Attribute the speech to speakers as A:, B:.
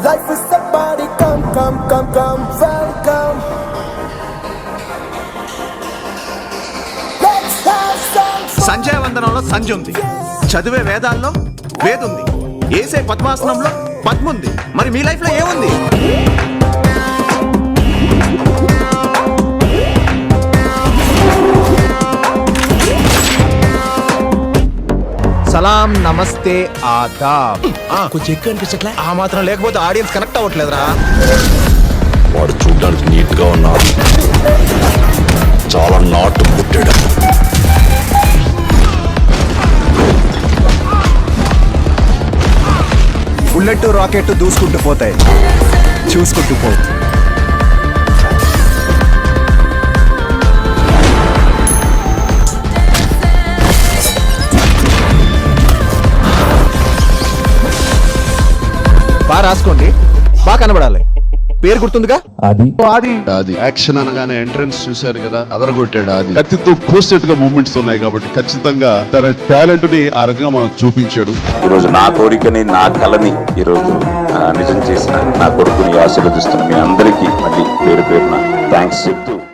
A: Life is a party, come, welcome. Let's have some fun.
B: Sanjaya వందనంలో సంజ ఉంది, చదివే వేదాల్లో వేదుంది, ఏసే పద్మాసనంలో పద్ముంది. మరి మీ లైఫ్ లో ఏముంది? సలాం, నమస్తే, ఆదాబ్.
C: కొంచెం ఎక్కువ అనిపించట్లే?
B: ఆ మాత్రం లేకపోతే ఆడియన్స్ కనెక్ట్ అవ్వట్లేదురా.
D: వాడు చూడడానికి నీట్ గా ఉన్నాడు, చాలా నాటు పుట్టాడు.
B: బుల్లెట్ రాకెట్ దూసుకుంటూ పోతాయి, చూసుకుంటూ పో. బాగా రాసుకోండి, బాగా కనబడాలి. పేరు గుర్తుందిగా?
E: అది యాక్షన్ అనగానే ఎంట్రన్స్ చూశారు కదా, అదరగొట్టాడు. అది కత్తితో కోసేట్టుగా మూమెంట్స్ ఉన్నాయి కాబట్టి ఖచ్చితంగా తన టాలెంట్ ని ఆ రకంగా మనం చూపించాడు.
D: ఈరోజు నా కోరికని, నా కళని ఈరోజు నిజం చేసిన నా కొడుకుని ఆశీర్వదిస్తున్న మీ అందరికీ మళ్ళీ పేరు పేరున థ్యాంక్స్ చెప్తూ